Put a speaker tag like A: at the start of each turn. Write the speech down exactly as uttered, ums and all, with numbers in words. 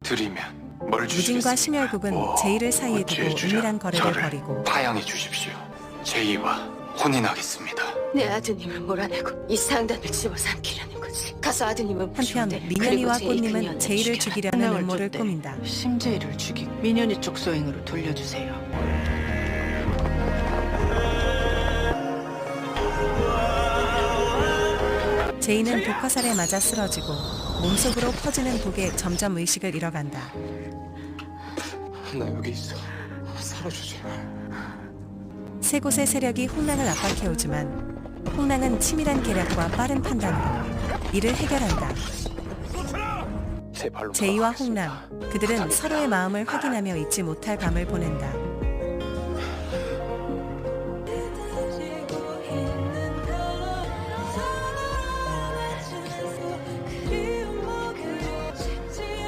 A: 드리면 뭘
B: 유진과
A: 주시겠습니까?
B: 심혈국은
A: 오,
B: 제이를 사이에
A: 어찌
B: 두고
A: 주랴.
B: 은밀한 거래를
A: 저를
B: 벌이고
A: 파양해 주십시오. 제이와 혼인하겠습니다.
C: 내 아드님을 몰아내고 이 상단을 집어삼키려는 거지. 가서 아드님은
B: 한편
C: 부셔대.
B: 민현이와
C: 그리고 제이
B: 꽃님은
C: 그녀는
B: 제이를
C: 죽여라.
B: 죽이려는
D: 한강을
B: 음모를
D: 쫓대
B: 꾸민다.
D: 심재희를 죽이고 민현이 쪽 소행으로 돌려주세요.
B: 제이는 독화살에 맞아 쓰러지고 몸속으로 퍼지는 독에 점점 의식을 잃어간다.
A: 나 여기 있어. 살아주지.
B: 세 곳의 세력이 홍랑을 압박해오지만 홍랑은 치밀한 계략과 빠른 판단으로 이를 해결한다.
A: 제 발로
B: 제이와
A: 걸어가겠습니다.
B: 홍랑, 그들은 서로의 마음을 확인하며 잊지 못할 밤을 보낸다.